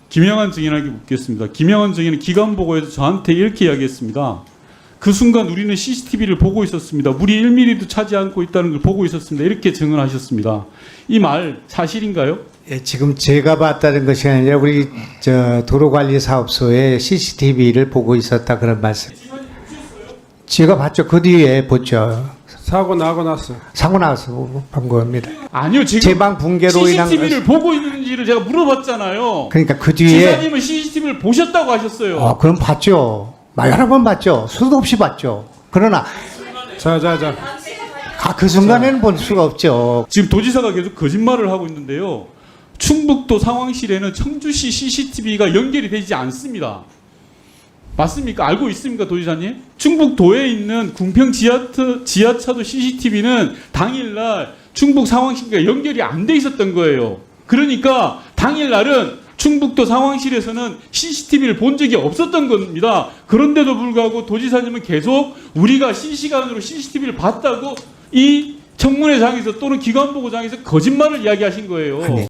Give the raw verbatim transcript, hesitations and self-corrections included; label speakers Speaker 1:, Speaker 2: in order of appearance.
Speaker 1: 김영한 증인에게 묻겠습니다. 김영한 증인은 기관 보고에서 저한테 이렇게 이야기했습니다. 그 순간 우리는 씨씨티비를 보고 있었습니다. 물이 일 밀리미터도 차지 않고 있다는 걸 보고 있었습니다. 이렇게 증언하셨습니다. 이 말 사실인가요?
Speaker 2: 예, 지금 제가 봤다는 것이 아니라 우리 저 도로관리사업소에 씨씨티비를 보고 있었다 그런 말씀. 제가 봤죠. 그 뒤에 봤죠.
Speaker 3: 사고 나고 났어.
Speaker 2: 사고 나서 본 겁니다.
Speaker 1: 아니요. 지금
Speaker 2: 제방 붕괴로 인한
Speaker 1: 씨씨티비를 보고 있는지를 제가 물어봤잖아요.
Speaker 2: 그러니까 그 뒤에
Speaker 1: 지사님은 씨씨티비를 보셨다고 하셨어요.
Speaker 2: 어, 그럼 봤죠. 막 여러 번 봤죠. 수도 없이 봤죠. 그러나
Speaker 3: 자, 자, 자.
Speaker 2: 아, 그 순간에는 볼 수가 없죠.
Speaker 1: 지금 도지사가 계속 거짓말을 하고 있는데요. 충북도 상황실에는 청주시 씨씨티비가 연결이 되지 않습니다. 맞습니까? 알고 있습니까, 도지사님? 충북도에 있는 궁평 지하트, 지하차도 씨씨티비는 당일날 충북 상황실과 연결이 안 돼 있었던 거예요. 그러니까 당일날은 충북도 상황실에서는 씨씨티비를 본 적이 없었던 겁니다. 그런데도 불구하고 도지사님은 계속 우리가 실시간으로 씨씨티비를 봤다고 이 청문회장에서 또는 기관보고장에서 거짓말을 이야기하신 거예요.
Speaker 2: 아니.